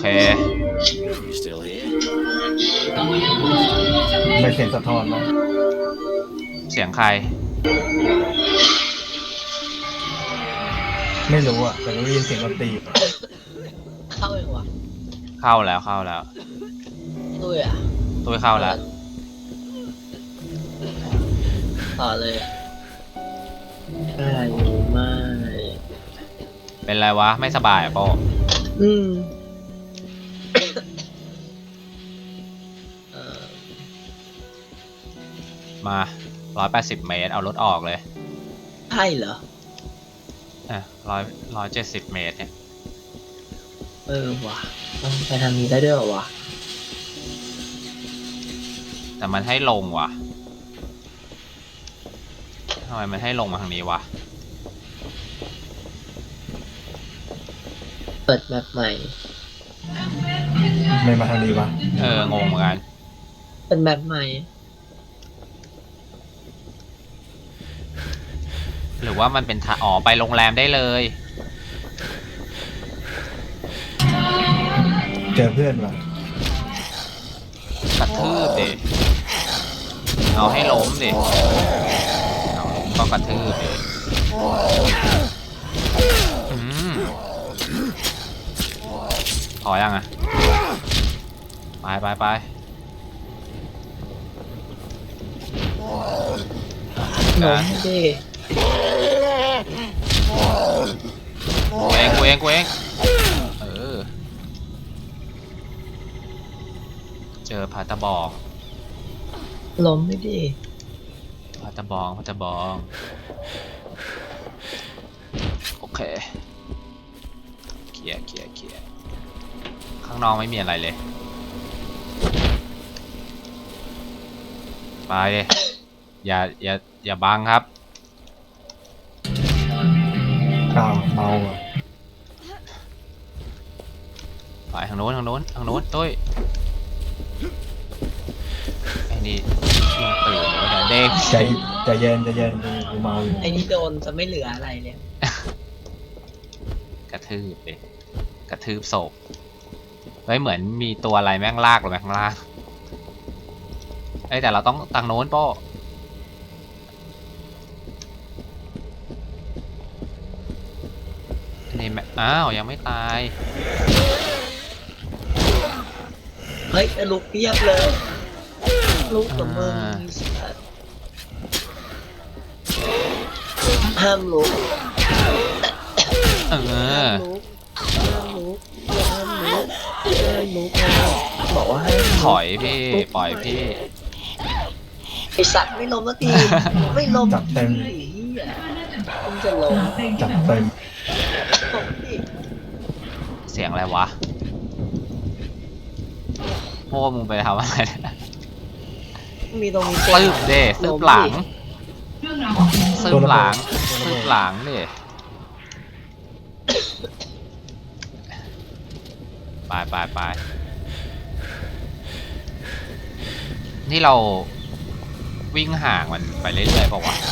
ไม่เสียงสะท้อนนะเสียงใครไม่รู้อ่ะแต่ได้ยินเสียงดนตรีเข้าเองวะเข้าแล้วด้วยอ่ะตุ้ยเข้าแล้วต่อเลยใช่ไม่เป็นไรวะไม่สบายอ่ะโป้อืมมา180 เมตรเอารถออกเลยใช่เหรออ่ะ170 เมตรเนี่ยว่ะต้องไปทางนี้ได้ด้วยเหรอวะแต่มันให้ลงว่ะทำไมมันให้ลงมาทางนี้วะเปิดแบบใหม่ไม่มาทางนี้วะงงเหมือนกันเป็นแบบใหม่หรือว่ามันเป็นอ๋อไปโรงแรมได้เลยเจอเพื่อนวะกระทืบดิเอาให้ล้มดิเอาล้มก็กระทืบดิพอยังอ่ะไปล้มดิกูเองเจอพาตะบองล้มไม่ดิพาตะบองโอเคเคลียร์ข้างนอกไม่มีอะไรเลยไปเลยอย่าบังครับอ้าวเมาอ่ะไปทางโน้นตุ้ยไอ้นี่ยังตื่นอยู่เดี๋ยวเด้งใจเย็นกูเมาอยู่ไอ้นี่โดนจะไม่เหลืออะไรเลยกระทืบเลยกระทืบศพเฮ้ยเหมือนมีตัวอะไรแม่งลากลงไปข้างล่างแต่เราต้องทางโน้นโป้นี่อ้าวยังไม่ตายเฮ้ยลุกเพียบเลยลุกกับมึงห้ามลุกเออห้ามลุกบอกว่าให้ถอยพี่ปล่อยพี่ไอสัตว์ไม่ล้มสักทีไม่ล้มจับเต็มมึงจะล้มจับเต็มล้มดิเสียงอะไรวะโม่มึงไปทำอะไรเนี่ยมีตรงนี้ซึบเด้ซึบหลังดิไปนี่เราวิ่งห่างมันไปเรื่อยๆเปล่าวะ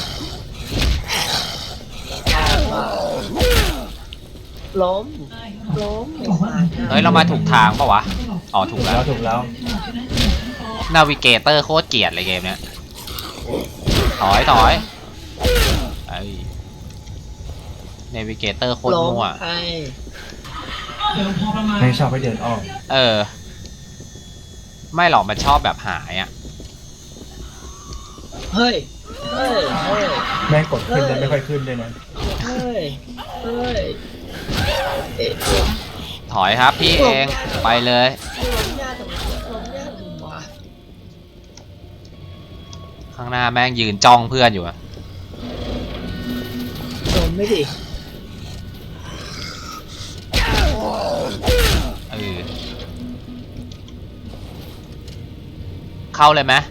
ล้มเฮ้ยเรามาถูกทางเปล่าวะอ๋อถูกแล้วถูกแล้วนาวิเกเตอร์โคตรเกลียดเลยเกมเนี้ยถอยไอ้นาวิเกเตอร์โคตรมั่วไม่ชอบให้เดินอ้อมไม่หรอกมันชอบแบบหายอ่ะเฮ้ยแม่งกดขึ้นแล้วไม่ค่อยขึ้นเลยนะถอยครับพี่เองไปเลยข้างหน้าแม่งยืนจ้องเพื่อนอยู่อะล้มไม่ดิเข้าเลยไหม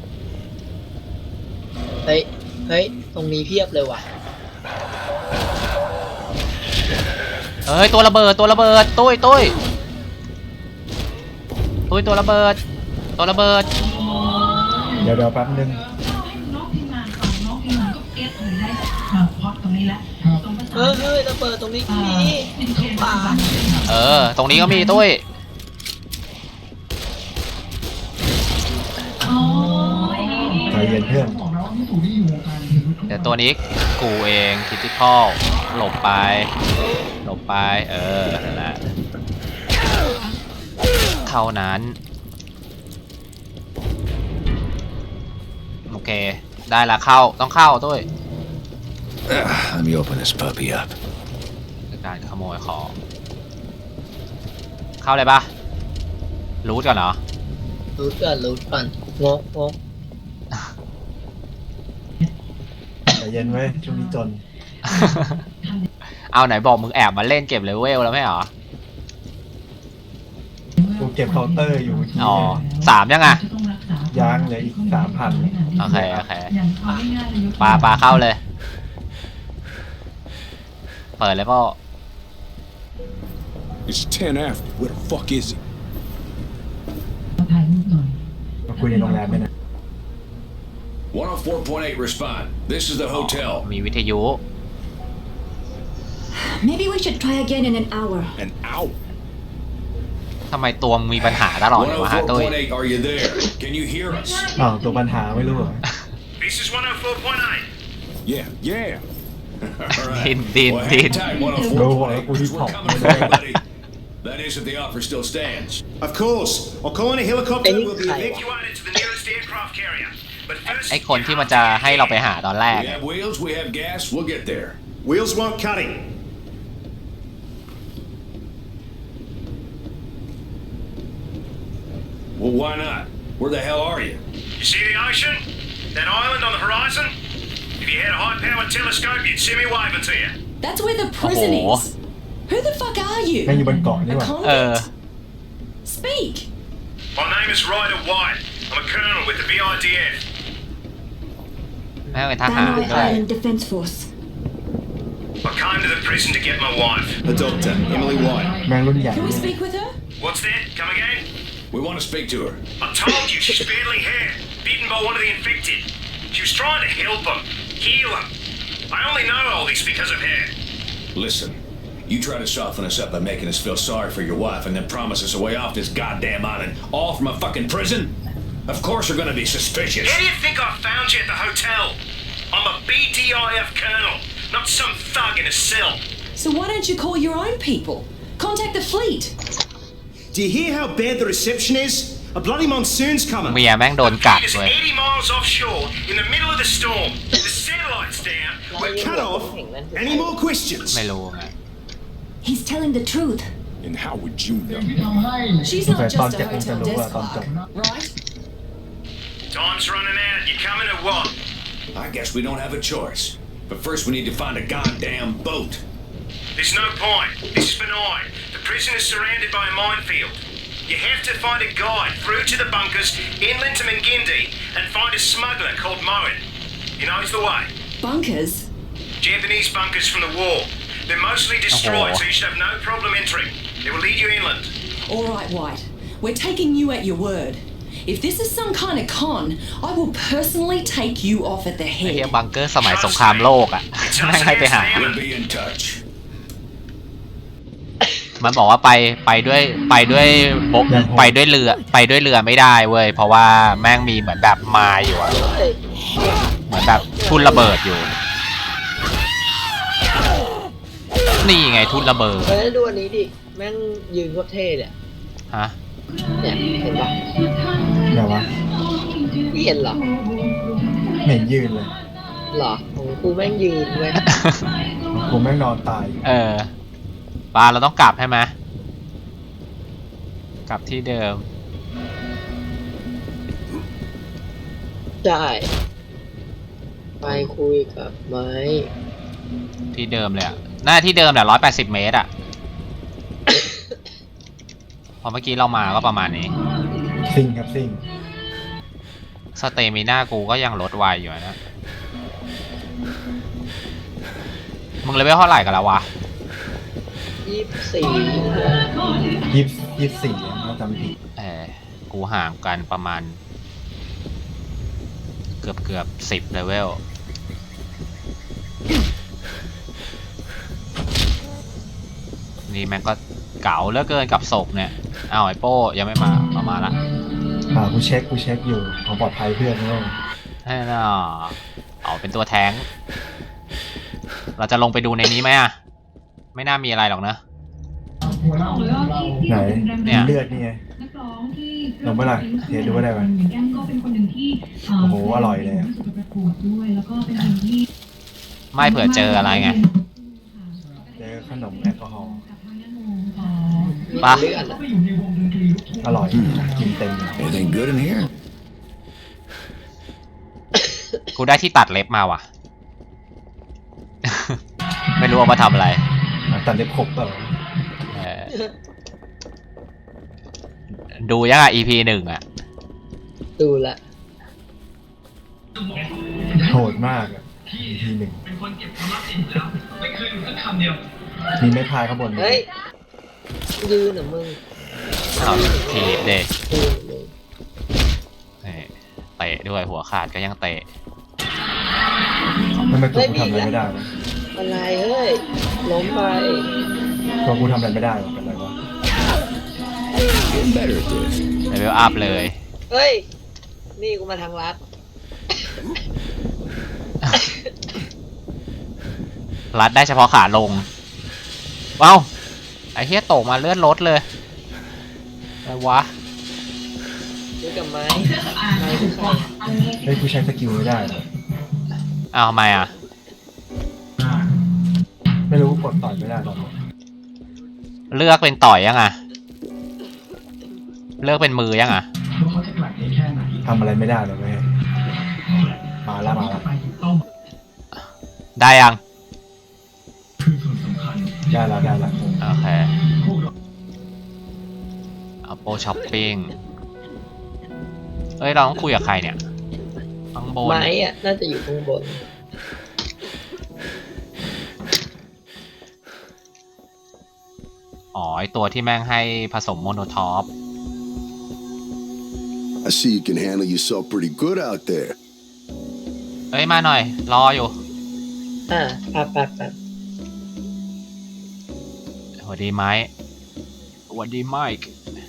เฮ้ยตรงนี้เพียบเลยว่ะเฮ้ยตัวระเบิดตุ้ยตัวระเบิดเดี๋ยวแป๊บนึงเฮ้ยระเบิดตรงนี้ก็มีขวาตรงนี้ก็มีตุ้ยเพื่อนเดี๋ยวตัวนี้กูเองคิติคอลหลบไปหลบไปนั่นแหละเท่านั้นโอเคได้ละเข้าต้องเข้าด้วย Let me open this puppy up. การขโมยของเข้าเลยปะรูทก่อนเหรอรู้ก่อนงกแต่เย็นไว้ช่วงนี้จนเอาไหนบอกมึงแอบมาเล่นเก็บเลเวลแล้วไม่เหรอกูเก็บเคาน์เตอร์อยู่เมื่อกี้อ๋อ3ยังอ่ะย้างเหลยอีก3,000 โอเคปลาเข้าเลย เปิดเลยพ่อ It's 10 after. Where the fuck is he? มาคุยในโรงแรมไหมนะ 104.8 respond. This is the hotel. มีวิทยุ Maybe we should try again in an hour. An hour. ทำไมตัวมึงมีปัญหาตลอดเลยวะฮะตุ้ย 104.8, are you there? Can you hear us? อ้าวตัวปัญหาไม่รู้เหรอ This is 104.8. Yeah. All right. Din. Well, hang tight, 104.8, Go on, 'cause we're coming for you, buddy. That is if the offer still stands. Of course. I'll call in a helicopter. Any We'll be kind. evacuated. Evacuated to the nearest aircraft carrier. But first, ไอคนที่มันจะให้เราไปหาตอนแรก We have wheels, we have gas, we'll get there. Wheels won't cut him. Well, why not? Where the hell are you? you see the ocean? That island on the horizon? If you had a high-powered telescope, you'd see me waving to you. That's where the prison Oh. is. Who the fuck are you? แม่งอยู่บนเกาะนี่ A หว่า convict? Speak. My name is Ryder White. I'm a colonel with the BIDF. แม่งเป็นทหาร Banoi ด้วย Island Defense Force. I came to the prison to get my wife. The doctor, Emily White. แม่งรุ่นใหญ่ Can we เนี่ย speak with her? What's that? Come again? We want to speak to her. I told you she's badly hurt, bitten by one of the infected. She was trying to help him, heal him. I only know all this because of her. Listen, you try to soften us up by making us feel sorry for your wife and then promise us a way off this goddamn island, all from a fucking prison? Of course we're gonna be suspicious. How do you think I found you at the hotel? I'm a BDIF colonel, not some thug in a cell. So why don't you call your own people? Contact the fleet. Do you hear how bad the reception is? A bloody monsoon's coming. เมียแม่งโดนกัด It is เว้ย 80 miles offshore in the middle of the storm. The satellite's down. We're cut off. Any more questions? ไม่รู้ไง He's telling the truth. And how would you know? She's แต่ not ตอน just เจ็ a บคงจะ hotel รู้ desk ว่าตอนจบ clerk, right? Time's running out. You coming or what? I guess we don't have a choice. But first we need to find a goddamn boat. There's no point. This is benign. The prison is surrounded by a minefield. You have to find a guide through to the bunkers inland to Mingindi and find a smuggler called Moen. He knows the way. Bunkers? Japanese bunkers from the war. They're mostly destroyed, so you should have no problem entering. They will lead you inland. All right, White. We're taking you at your word. If this is some kind of con, I will personally take you off at the ไอ้เฮีย head. บังเกอร์สมัยสงครามโลกอ่ะ แม่งให้ไปหา We'll be in touch. มันบอกว่าไปด้วยบกไปด้วยเรือไม่ได้เว้ยเพราะว่าแม่งมีเหมือนแบบไม้อยู่อะเหมือนแบบทุ่นระเบิดอยู่ นี่ไงทุ่นระเบิดเฮ้ยดูอันนี้ดิ แม่งยืนโคตรเท่เลยฮะเนี่ยเห็นปะเดี๋ยววะพี่เห็นเหรอเหม็นยืนเลยเหรอของกูแม่งยืนเว้ยกูแม่งนอนตายปลาเราต้องกลับใช่ไหมกลับที่เดิมใช่ไปคุยกับไม้ที่เดิมเลยอะหน้าที่เดิมแหละ180 เมตรอะ พอเมื่อกี้เรามาก็ประมาณนี้ซิ่งครับซิ่งสเตมิน่ากูก็ยังลดไวอยู่นะ มึงเลเวลเท่าไหร่กันแล้ววะ 24 24ถ้าจำผิดกูห่างกันประมาณ เกือบ10 เลเวล นี่แม่งก็เก๋าเหลือเกินกับศพเนี่ยอ้าวไอโป้ยังไม่มาเอามาละกูเช็คอยู่ของปลอดภัยเพื่อนด้วยให้น่ะเอาเป็นตัวแท้งเราจะลงไปดูในนี้ไหมอะไม่น่ามีอะไรหรอกนะไหนเนี่ยเลือดนี่ไงลงเมื่อไหร่เทสดูว่าได้ไหมโอ้โหอร่อยเลยอะไม่เผื่อเจออะไรไงเจอขนมแอลกอฮอล์ปะเลือดอะอร่อยกินเต็มเลย Anything good in here? กูได้ที่ตัดเล็บมาว่ะ ไม่รู้เอามาทำอะไรตัดเล็บขบเปล่าเออดูยังอ่ะ EP 1 อ่ะดูละโหดมากอ่ะทีหนึ่งมีไม้พายข้างบนเฮ้ยยืนเหรอมึงอ้าวทีเด็กยืนมึงเตะด้วยหัวขาดก็ยังเตะทำไมตัวกูทำอะไรไม่ได้วะอะไรเฮ้ยล้มไปตัวกูทำอะไรไม่ได้วะเป็นไรวะ Getting better at this. เลเวลอัพเลยเฮ้ยนี่กูมาทางลัดรัดได้เฉพาะขาลง ว้าวไอ้เหี้ยตกมาเลื่อนรถเลยอะไรวะดูกับไม้ไม้คือใครเฮ้ยกูใช้สกิลไม่ได้วะอ้าวทำไมอ่ะไม่รู้กูกดต่อยไม่ได้ตอนนี้เลือกเป็นต่อยยังอ่ะ เลือกเป็นมือยังอ่ะทำอะไรไม่ได้เลยเว้ยมาแล้วได้ยังได้แล้วโอเคเอาโปรช้อปปิ้งเอ้ยเราต้องคุยกับใครเนี่ยข้างบนไม้อะน่าจะอยู่ข้างบนอ๋อไอตัวที่แม่งให้ผสมโมโนทอป I see you can handle yourself pretty good out there. เอ้ยมาหน่อย รออยู่แป๊บสวัสดีไมค์สวัสดีไมค์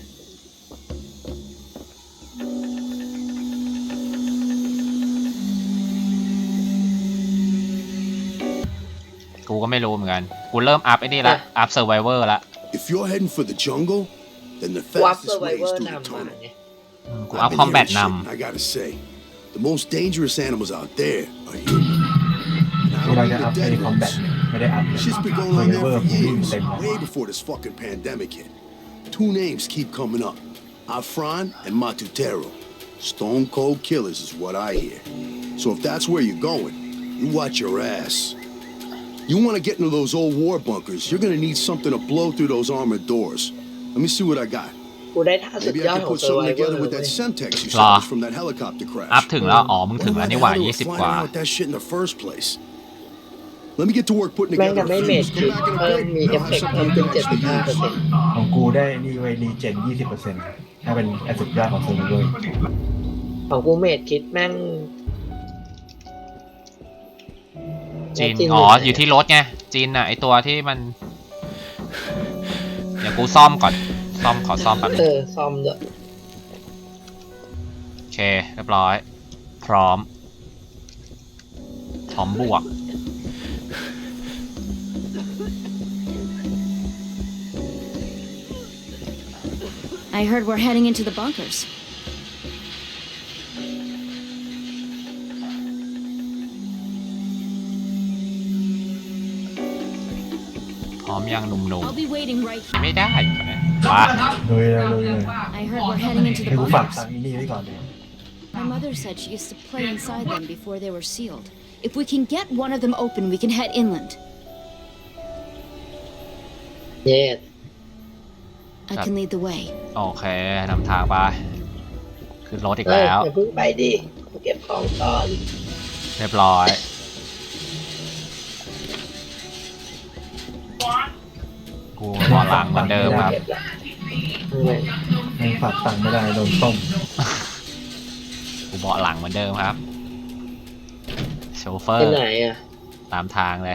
กูก็ไม่รู้เหมือนกัน กูเริ่มอัพไอ้นี่ละ อัพเซอร์ไวเวอร์ละ If you're heading for the jungle, then the วับเซอ fastest ร์ไว way เวอ is ร์ through the นำมา tunnel. เนี่ยกูอัพ I've คอม been แบท hearing น shit, and I gotta say, the most dangerous animals out there are human. And กู I เรา don't จะ mean อัพ the ไอ้ dead คอมแบท ones. ไม่ได้อัพเลย Shit's been going เซอ on ร์ไว there เวอร์ for กูวิ่ง years, เต็มเลย way before this fucking pandemic hit. Two names keep coming up: Afran and Matutero. Stone cold killers is what I hear. So if that's where you're going, you watch your ass. You want to get into those old war bunkers, you're gonna need something to blow through those armored doors. Let me see what I got. กูได้ท่าสุด Maybe ยอ I ด can ของ put เซอร์ไว something เวอร์ together with เล that ย Semtex you Lah. salvaged from that helicopter อัพ crash. ถึงแล้ว อ๋อ มึงถึง Wonder แล้ว why นี่ the หว่า hell they were 20 ก flying ว่า around with that shit in the first place. Let me get to work putting แม่ง together จะ a ไม่เม fuse. ด Come คิด back in a เพิ่ม bit. มีเอฟ I'll เฟ have กต์ something เพิ่ม to ขึ้น actually use. 75% ของกูได้นี่เว้ยรีเจน 20%ถ้าเป็นไอ้สุดยอดของเซอร์ไวเวอร์ของกูเมดคิดแม่งจีนจีนอ๋ออยู่ไหนอยู่ที่รถไง จีนอ่ะ ไอตัวที่มัน เดี๋ยวกูซ่อมก่อน ขอซ่อมแป๊บนึงซ่อมด้วยโอเค เรียบร้อย พร้อมบวก I heard we're heading into the bunkers. พร้อมยังหนุ่ม I'll be waiting right ๆ ไม่ได้วะเลย I heard we're heading into ให้ the กูฝาก bunkers. ตังค์อีนี่ไว้ก่อนเลย My mother said she used to play inside them before they were sealed. If we can get one of them open, we can head inland. เย็ด I can lead the way. โอเคนำทางไปขึ้นรถอีกเฮ้ยแล้วอย่าเพิ่งไปดิกูเก็บของก่อนเรียบร้อย กูบอหลังเหมือนเดิมครับเก็บละให้ฝากตังค์ไม่ได้โดนต้มกูเบาะหลังเหมือนเดิมครับ โชเฟอไปร์ไหนอ่ะตามทางเลย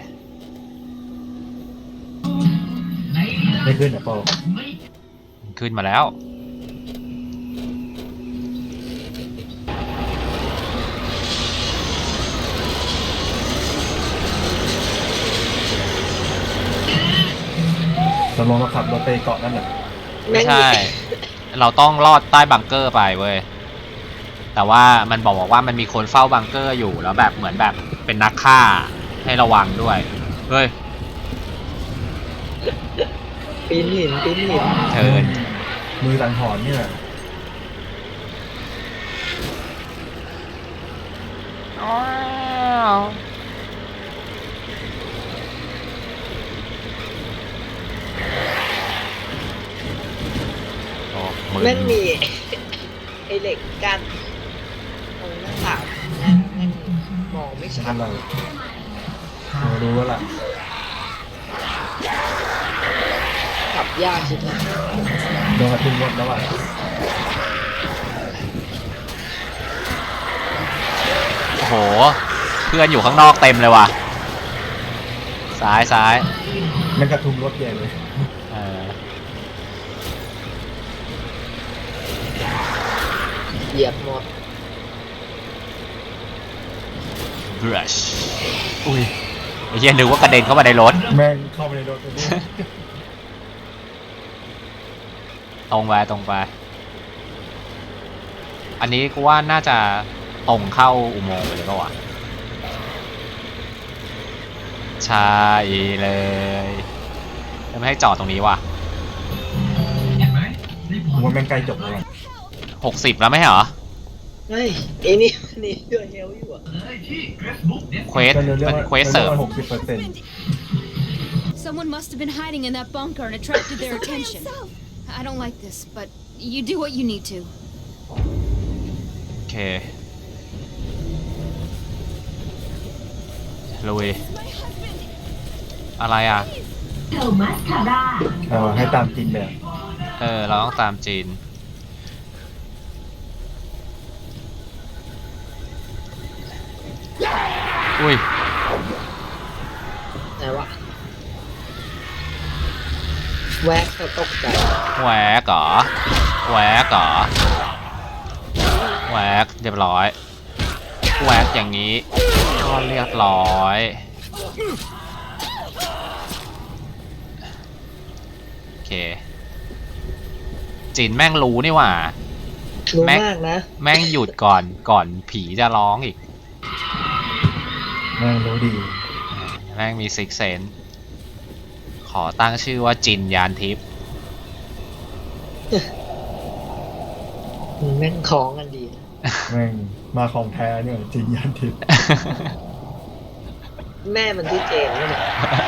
ไม่ขึ้นอ่ะโปขึ้นมาแล้วเลงเราขับรถไปเกาะนั่นแหละไม่ใช่ เราต้องลอดใต้บังเกอร์ไปเว้ยแต่ว่ามันบอกว่ามันมีคนเฝ้าบังเกอร์อยู่แล้วแบบเหมือนแบบเป็นนักฆ่าให้ระวังด้วยเฮ้ยปีนหินเชิญมือสังหรณ์นี่แหละแม่งมีไอเหล็กกั้นตรงหน้าต่างแม่งมองไม่ชันั่ดนเรารู้แล้วล่ะขับยากใช่ไหมโดนกระทุ่มรถแล้วอ่ะโอ้โหเพื่อนอยู่ข้างนอกเต็มเลยว่ะซ้ายมันกระทุ่มรถใหญ่เลยเหยียบหมดบรัชอุ้ยไอ้เหี้ยนึกว่ากระเด็นเข้ามาในรถแม่งเข้าไปในรถเลยตรงไปอันนี้กูว่าน่าจะตรงเข้าอุโมงค์ไปเลยป่ะวะใช่เลยไม่ให้จอดตรงนี้ว่ะผมว่าแม่งใกล้จบแล้ว 60แล้วไม่เหรอเฮ้ยไอ้นี่ด้วยเฮลอยู่อ่ะเควสเป็นเควสเสริม Someone must have been hiding in that bunker and attracted their attention. I don't like this, but you do what you need to. โอเคลุยอะไรอ่ะให้ตามจีนแบบเราต้องตามจีนอุ้ยไหนวะแวกก็ตกใจแหวกเหรอแหวกเรียบร้อยแหวกอย่างนี้ก็เรียบร้อยโอเคจีนแม่งรู้นี่หว่ารู้มากนะแม่งหยุดก่อนผีจะร้องอีกแม่งรู้ดีแม่งมีซิกเซนขอตั้งชื่อว่าจินยานทิพย์แม่งคล้องกันดีแม่งมาของแท้เนี่ยจีนยานทิพย์แม่มันที่เจนนี่แหละ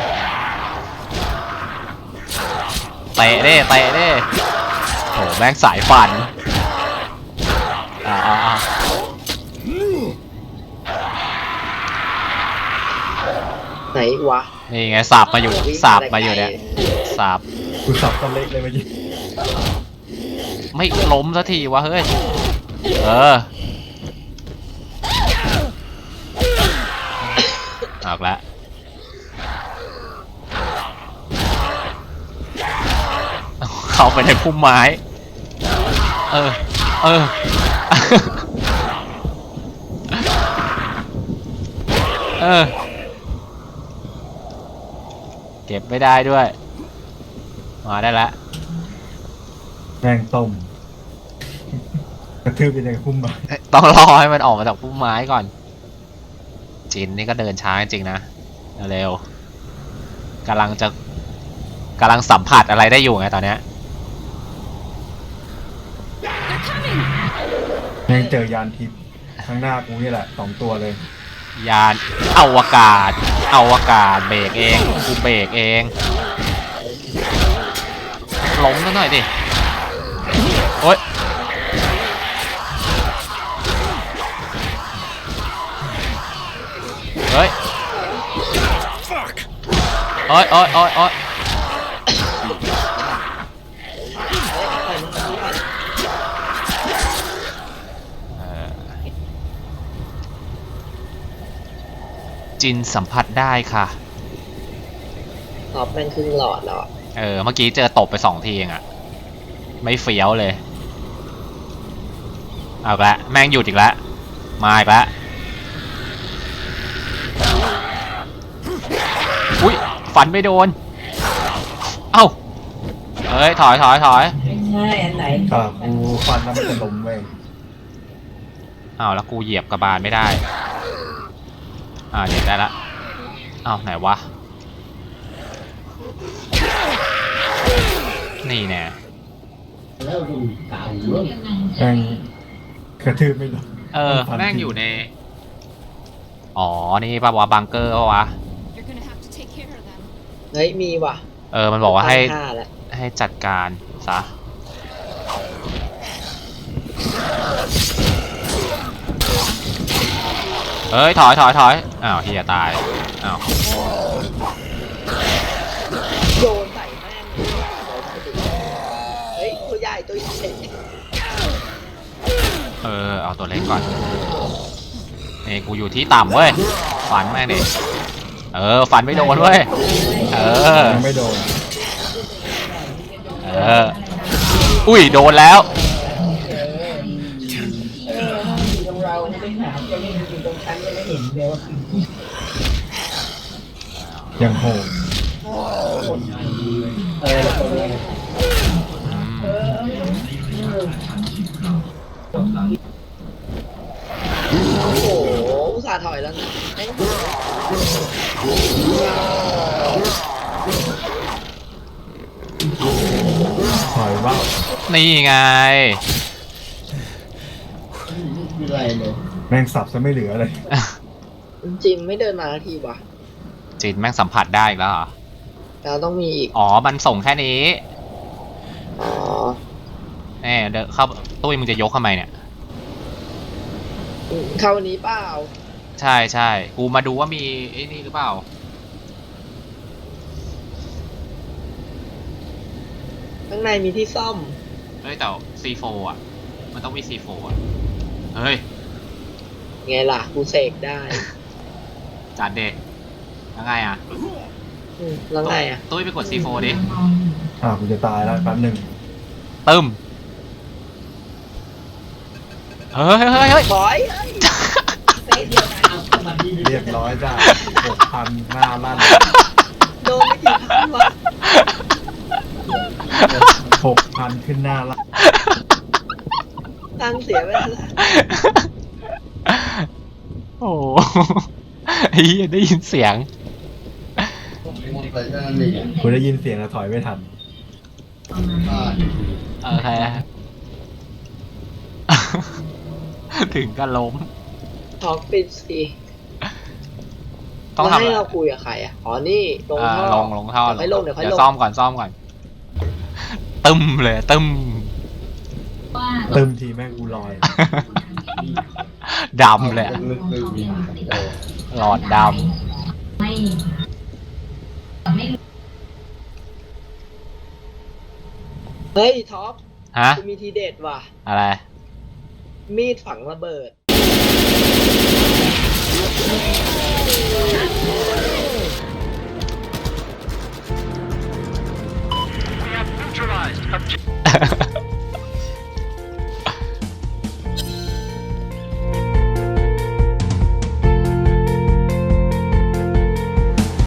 เตะเด้โหแม่งสายฟันไหนวะนี่ไงสับมาอยู่เนี่ยสับกูสับตะเล็กเลยเมื่อกี้ไม่ล้มสักทีวะเฮ้ยออกแล้วเข้าไปในพุ่มไม้เก็บไม่ได้ด้วยมาได้แล้วแม่งต้มกระทืบไปในพุ่มไม้ต้องรอให้มันออกมาจากพุ่มไม้ก่อนจินนี่ก็เดินช้าจริงๆนะเร็วกำลังสัมผัสอะไรได้อยู่ไงตอนเนี้ยแม่งเจอยานทิพย์ข้างหน้ากูนี่แหละ2 ตัวเลยยานอวกาศเบรกเองกูเบรกเองล้มซะหน่อยดิโอ๊ยเฮ้ยโอ๊ยจินสัมผัสได้ค่ะตอบแม่งครึ่งหลอดแล้วเมื่อกี้เจอตบไป2 ทีเองอะไม่เฟี้ยวเลยเอาละแม่งหยุดอีกแล้วมาอีกแล้วอุ้ยฟันไม่โดนเอ้าเฮ้ยถอยไม่ใช่อันไหนกูฟันแล้วมันจะล้มเว้ยอ้าวแล้วกูเหยียบกระบาลไม่ได้เหยียบได้ละอ้าวไหนวะนี่แน่แม่งกระทืบไม่ลงแม่งอยู่ในนี่ป่ะวะบังเกอร์ป่ะวะ You're gonna have to take care of them. เฮ้ยมีว่ะมันบอกว่าให้ตั้งค่าแล้วให้จัดการซะเฮ้ยถอยอ้าวเฮียตายอ้าวโยนใส่แม่งเฮ้ยตัวใหญ่เอาตัวเล็กก่อนนี่กูอยู่ที่ต่ำเว้ยฝันแม่งดิฝันไม่โดนเว้ยยังไม่โดนอุ้ยโดนแล้วตรงเราไม่หาจะไม่อยู่ตรงชั้นจะไม่เห็นเลยว่ายังโหดโอ้โหอุตส่าห์ถอยแล้วนะถอยว่านี่ไงแม่งสับซะไม่เหลือเลยจริงไม่เดินมาทีว่ะจินแม่งสัมผัสได้อีกแล้วเหรอเราต้องมีอีกมันส่งแค่นี้อ๋อเดินเข้าตุ้ยมึงจะยกทำไมเนี่ยเข้าวันนี้เปล่าใช่กูมาดูว่ามีไอ้นี่หรือเปล่าข้างในมีที่ซ่อมเฮ้ยแต่ C4 อ่ะมันต้องมี C4 อ่ะเฮ้ยไงล่ะกูเสกได้จัดเด็กแล้วไงอ่ะแล้วไงอ่ะตุ้ยไปกด C4 ดิกูจะตายแล้วแป๊บหนึงตึมเฮ้ยถอยเรียบร้อยจ้า6,000 หน้าลั่นโดนไม่กี่พันวะ 6,000 ขึ้นหน้าลั่นตังค์เสียไปแล้วโอ้ได้ยินเสียงกูได้ยินเสียงแล้วถอยไม่ทันโอเค ถึงก็ล้มท็อกปิดสิต้องแล้วทำให้เราคุยกับใครอ่ะ อ๋อ นี่ลงท่อลงท่อเดี๋ยวค่อยลงเดี๋ยวค่อยลงเดี๋ยวซ่อมก่อนตึมเลยตึมเติมทีแม่งกูลอยดำเลยหลอดดเฮ้ยท็อปำฮะกูมีทีเด็ดว่ะอะไรมีดฝังระเบิด We have neutralized objective.